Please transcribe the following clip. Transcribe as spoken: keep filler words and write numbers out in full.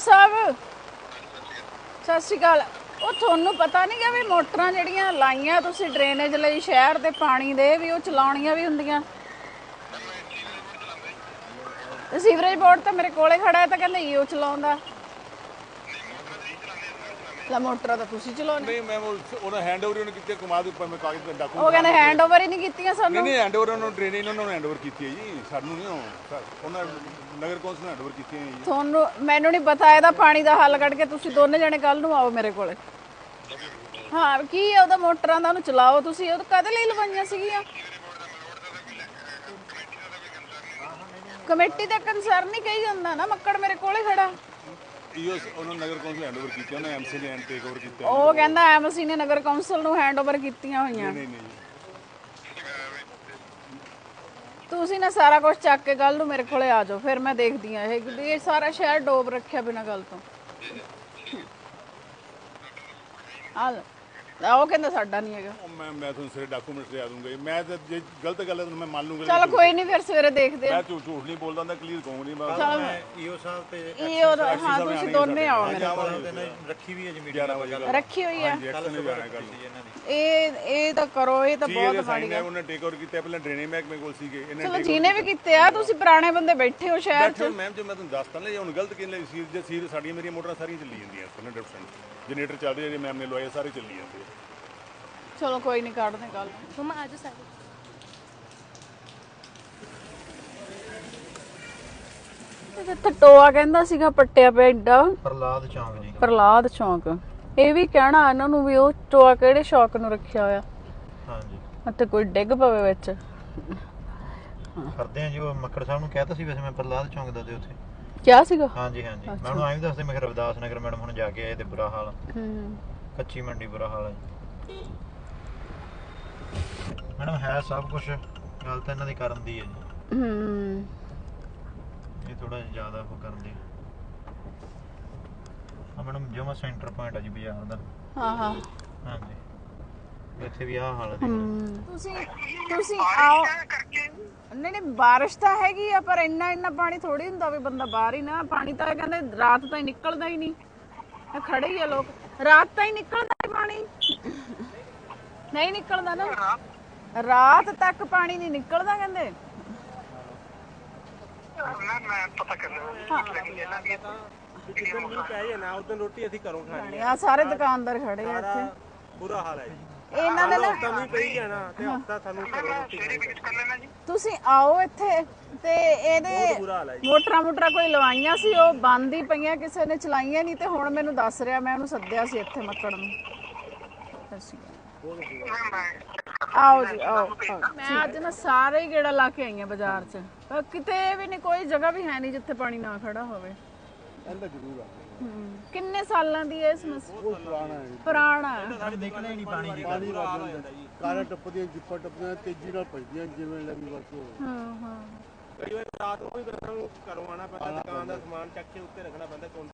ਸਾਹਿਬ ਸਤਿ ਸ਼੍ਰੀ ਅਕਾਲ। ਉਹ ਤੁਹਾਨੂੰ ਪਤਾ ਨਹੀਂ ਗਾ ਵੀ ਮੋਟਰਾਂ ਜਿਹੜੀਆਂ ਲਾਈਆਂ ਤੁਸੀਂ ਡਰੇਨੇਜ ਲਈ ਸ਼ਹਿਰ ਦੇ ਪਾਣੀ ਦੇ ਵੀ ਉਹ ਚਲਾਉਣੀਆਂ ਵੀ ਹੁੰਦੀਆਂ। ਸੀਵਰੇਜ ਬੋਰਡ ਤਾਂ ਮੇਰੇ ਕੋਲੇ ਖੜਾ ਹੈ ਤਾਂ ਕਹਿੰਦੇ ਈਓ ਚਲਾਉਂਦਾ। ਲਾ ਮੋਟਰਾਂ ਤਾਂ ਤੁਸੀਂ ਚਲਾਉਣੇ। ਨਹੀਂ ਮੈਂ ਉਹਨਾਂ ਹੈਂਡਓਵਰ ਉਹਨੇ ਕੀਤੇ ਕਮਾਦ ਉੱਪਰ ਮੈਂ ਕਾਗਜ਼ ਤੇ ਡਾਕੂ ਉਹ ਕਹਿੰਦੇ ਹੈਂਡਓਵਰ ਹੀ ਨਹੀਂ ਕੀਤੀਆਂ ਸਾਨੂੰ। ਨਹੀਂ ਨਹੀਂ ਹੈਂਡਓਵਰ ਉਹਨਾਂ ਨੂੰ ਡਰੇਨੇਜ ਉਹਨਾਂ ਨੂੰ ਹੈਂਡਓਵਰ ਕੀਤੀ ਹੈ ਜੀ, ਸਾਨੂੰ ਨਹੀਂ ਉਹ ਉਹਨਾਂ ਨਗਰ ਕੌਂਸਲ ਨੂੰ ਹੈਂਡਓਵਰ ਕੀਤੀ ਹੈ ਜੀ। ਤੁਹਾਨੂੰ ਮੈਨੂੰ ਨਹੀਂ ਪਤਾ ਇਹਦਾ ਪਾਣੀ ਦਾ ਹੱਲ ਕੱਢ ਕੇ ਤੁਸੀਂ ਦੋਨੇ ਜਣੇ ਕੱਲ ਨੂੰ ਆਓ ਮੇਰੇ ਕੋਲੇ। ਹਾਂ ਕੀ ਹੈ ਉਹਦਾ ਮੋਟਰਾਂ ਦਾ ਉਹਨੂੰ ਚਲਾਓ ਤੁਸੀਂ। ਉਹ ਕਦੇ ਲਈ ਲਵਾਈਆਂ ਸੀਗੀਆਂ? ਕਮੇਟੀ ਦਾ ਕੰਸਰਨ ਨਹੀਂ ਕਹੀ ਜਾਂਦਾ ਨਾ, ਮੱਕੜ ਮੇਰੇ ਕੋਲੇ ਖੜਾ। ਈਓ ਉਹਨਾਂ ਨਗਰ ਕੌਂਸਲ ਹੈਂਡਓਵਰ ਕੀਤੀ, ਉਹਨੇ ਐਮਸੀ ਨੇ ਟੇਕ ਓਵਰ ਕੀਤਾ। ਉਹ ਕਹਿੰਦਾ ਐਮਸੀ ਨੇ ਨਗਰ ਕੌਂਸਲ ਨੂੰ ਹੈਂਡਓਵਰ ਕੀਤੀਆਂ ਹੋਈਆਂ। ਨਹੀਂ ਨਹੀਂ ਤੁਸੀਂ ਨਾ ਸਾਰਾ ਕੁਝ ਚੱਕ ਕੇ ਕੱਲ ਨੂੰ ਮੇਰੇ ਕੋਲੇ ਆ ਜਾਓ, ਫਿਰ ਮੈਂ ਦੇਖਦੀ ਆ ਇਹ ਇਹ ਸਾਰਾ ਸ਼ਹਿਰ ਡੋਬ ਰੱਖਿਆ ਬਿਨਾਂ ਗੱਲ ਤੋਂ। ਆ ਉਹ ਕਹਿੰਦਾ ਸਾਡਾ ਨਹੀਂ ਹੈਗਾ। ਮੈਂ ਮੈਂ ਤੁਹਾਨੂੰ ਸਾਰੇ ਡਾਕੂਮੈਂਟ ਲਿਆ ਦੂੰਗਾ। ਮੈਂ ਤਾਂ ਜੇ ਗਲਤ ਗੱਲ ਹੈ ਤਾਂ ਮੈਂ ਮੰਨ ਲੂੰਗਾ। ਚਲ ਕੋਈ ਨਹੀਂ, ਫਿਰ ਸਵੇਰੇ ਦੇਖਦੇ ਆ। ਮੈਂ ਝੂਠ ਝੂਠ ਨਹੀਂ ਬੋਲਦਾ ਹੁੰਦਾ, ਕਲੀਅਰ ਕਹੂੰਗਾ ਨਹੀਂ ਮੈਂ। ਚਲ ਈਓ ਸਾਹਿਬ ਤੇ ਇਹ ਹਾਂ ਤੁਸੀਂ ਦੋਨੇ ਆਓ ਮੇਰੇ ਕੋਲ। ਰੱਖੀ ਵੀ ਹੈ ਜੀ ਮੀਡੀਆ ਨਾਲ ਗੱਲ ਰੱਖੀ ਹੋਈ ਆ ਐਕਸ਼ਨ ਨਹੀਂ ਜਾਣਾ ਕਰ ਇਹ ਇਹ ਤਾਂ ਕਰੋ, ਇਹ ਤਾਂ ਬਹੁਤ ਮਾੜੀ ਗੱਲ। ਉਹਨੇ ਟੇਕ ਓਵਰ ਕੀਤਾ ਪਹਿਲਾਂ ਡਰੇਨੇਜ ਮਹਿਕਮੇ ਕੋਲ ਸੀਗੇ ਇਹਨੇ। ਚਲੋ ਜਿਹਨੇ ਵੀ ਕੀਤੇ ਆ, ਤੁਸੀਂ ਪੁਰਾਣੇ ਬੰਦੇ ਬੈਠੇ ਹੋ ਸ਼ਹਿਰ 'ਚ। ਮੈਮ ਜੋ ਮੈਂ ਤੁਹਾਨੂੰ ਦੱਸਤਾ ਨਾ, ਹੁਣ ਗਲਤ ਕਿਹਨੇ ਲਈ ਸੀ? ਜੇ ਸੀ ਸਾਡੀਆਂ ਮੇਰੀਆਂ ਮੋਟਰਾਂ ਸਾਰੀਆਂ ਚੱਲੀ ਜਾਂਦੀਆਂ ਹੰਡਰਡ ਪਰਸੈਂਟ ਜਨਰੇਟਰ ਚੱਲ ਰਹੇ ਜੇ ਮੈਮ ਨੇ ਲਵਾਏ ਸਾਰੇ ਚੱਲੀ ਜਾਂਦੇ। ਚਲੋ ਕੋਈ ਨਹੀਂ, ਕੱਢਦੇ ਕੱਲ। ਮਮਾ ਆਜੋ ਸਾਰੇ। ਇੱਥੇ ਟੋਆ ਕਹਿੰਦਾ ਸੀਗਾ ਪੱਟਿਆ ਪਿਆ ਏਡਾ। ਪ੍ਰਲਾਦ ਚੌਂਕ ਜੀ। ਪ੍ਰਲਾਦ ਚੌਂਕ। ਇਹ ਵੀ ਕਹਿਣਾ ਇਹਨਾਂ ਨੂੰ ਵੀ ਉਹ ਟੋਆ ਕਿਹੜੇ ਸ਼ੌਕ ਨੂੰ ਰੱਖਿਆ ਹੋਇਆ। ਹਾਂਜੀ ਇੱਥੇ ਕੋਈ ਡਿੱਗ ਪਵੇ ਵਿੱਚ। ਕਰਦੇ ਆ ਜੀ। ਉਹ ਮੱਕੜ ਸਾਹਿਬ ਨੂੰ ਕਹਿਤਾ ਸੀ ਵੈਸੇ ਮੈਂ ਪ੍ਰਲਾਦ ਚੌਂਕ ਦਾ ਤੇ ਉੱਥੇ ਕਿਆ ਸੀਗਾ? ਹਾਂਜੀ ਹਾਂਜੀ ਮੈਂ ਉਹਨੂੰ ਐਂ ਵੀ ਦੱਸਦੇ ਮੈਂ ਰਵਿਦਾਸ ਨਗਰ ਮੈਡਮ ਹੁਣ ਜਾ ਕੇ ਆਏ ਤੇ ਬੁਰਾ ਹਾਲ। ਹੂੰ ਕੱਚੀ ਮੰਡੀ ਬੁਰਾ ਹਾਲ ਹੈ ਮੈਡਮ। ਹੈ ਸਭ ਕੁਝ, ਗੱਲ ਤਾਂ ਇਹਨਾਂ ਦੀ ਕਰਨ ਦੀ ਹੈ ਜੀ। ਹੂੰ ਇਹ ਥੋੜਾ ਜਿਆਦਾ ਉਹ ਕਰਦੇ ਆ ਮੈਡਮ। ਜਮਾ ਸੈਂਟਰ ਪੁਆਇੰਟ ਆ ਜੀ ਬਾਜ਼ਾਰ ਦਾ। ਹਾਂ ਹਾਂ ਹਾਂਜੀ ਇੱਥੇ ਵੀ ਆਹ ਹਾਲ ਹੈ। ਤੁਸੀਂ ਤੁਸੀਂ ਆਓ। ਨਹੀਂ ਨਹੀਂ ਬਾਰਿਸ਼ ਤਾਂ ਹੈਗੀ ਆ, ਪਰ ਇੰਨਾ ਇੰਨਾ ਪਾਣੀ ਥੋੜੀ ਹੁੰਦਾ ਵੀ ਬੰਦਾ ਬਾਹਰ ਹੀ ਨਾ। ਪਾਣੀ ਤਾਂ ਕਹਿੰਦੇ ਰਾਤ ਤਾਂ ਹੀ ਨਿਕਲਦਾ ਹੀ ਨਹੀਂ। ਇਹ ਖੜੇ ਹੀ ਆ ਲੋਕ, ਰਾਤ ਤਾਂ ਹੀ ਨਿਕਲਦਾ ਹੀ ਪਾਣੀ ਨਹੀਂ ਨਿਕਲਦਾ ਨਾ। ਰਾਤ ਤੱਕ ਪਾਣੀ ਨਹੀਂ ਨਿਕਲਦਾ ਕਹਿੰਦੇ। ਮੈਂ ਪਤਾ ਕਰਨਾ ਜਿੱਦਣ ਮੀਂਹ ਪੈ ਜਾਏ ਨਾ ਉਦੋਂ ਰੋਟੀ ਅਸੀਂ ਘਰੋਂ ਖਾਣੀ ਆ। ਸਾਰੇ ਦੁਕਾਨਦਾਰ ਖੜੇ ਆ ਇੱਥੇ। ਬੁਰਾ ਹਾਲ ਹੈ ਜੀ। ਇਹਨਾਂ ਦੇ ਨਾ ਹਫ਼ਤਾ ਮੀਂਹ ਪਈ ਜਾਣਾ ਤੇ ਹਫ਼ਤਾ ਸਾਨੂੰ ਘਰੋਂ ਰੋਟੀ ਖਾਣੀ। ਤੁਸੀਂ ਆਓ ਇੱਥੇ ਤੇ ਇਹਦੇ ਮੋਟਰਾਂ ਮੋਟਰਾਂ ਕੋਈ ਲਵਾਈਆਂ ਸੀ, ਉਹ ਬੰਦ ਹੀ ਪਈਆਂ, ਕਿਸੇ ਨੇ ਚਲਾਈਆਂ ਨਹੀਂ। ਤੇ ਹੁਣ ਮੈਨੂੰ ਦੱਸ ਰਿਹਾ, ਮੈਂ ਉਹਨੂੰ ਸੱਦਿਆ ਸੀ ਇੱਥੇ ਮੱਕੜ ਨੂੰ। ਆਓ ਜੀ ਆਓ। ਮੈਂ ਅੱਜ ਨਾ ਸਾਰੇ ਹੀ ਗੇੜਾ ਲਾ ਕੇ ਆਈ ਆ ਬਾਜ਼ਾਰ 'ਚ, ਪਰ ਕਿਤੇ ਵੀ ਨਹੀਂ, ਕੋਈ ਜਗ੍ਹਾ ਵੀ ਹੈ ਨਹੀਂ ਜਿੱਥੇ ਪਾਣੀ ਨਾ ਖੜਾ ਹੋਵੇ। ਇਹਦਾ ਜ਼ਰੂਰ ਆ। ਕਿੰਨੇ ਸਾਲਾਂ ਦੀ ਇਹ ਸਮੱਸਿਆ? ਉਹ ਪੁਰਾਣਾ ਹੈ, ਪੁਰਾਣਾ ਨਿਕਲਿਆ ਹੀ ਨਹੀਂ ਪਾਣੀ ਦੀ। ਪਾਣੀ ਵੱਜ ਜਾਂਦਾ ਜੀ। ਕਾਰਾਂ ਟੱਪਦੀਆਂ, ਜਿੱਪਾਂ ਟੱਪਦੀਆਂ ਤੇਜ਼ੀ ਨਾਲ ਭਜਦੀਆਂ ਜਿਵੇਂ ਲੱਗੀ ਵਰਤੋਂ। ਹਾਂ ਹਾਂ ਕਈ ਵਾਰ ਰਾਤ ਨੂੰ ਵੀ ਸਾਨੂੰ ਘਰੋਂ ਆਉਣਾ ਪੈਂਦਾ, ਦੁਕਾਨ ਦਾ ਸਮਾਨ ਚੱਕ ਕੇ ਉੱਤੇ ਰੱਖਣਾ ਪੈਂਦਾ।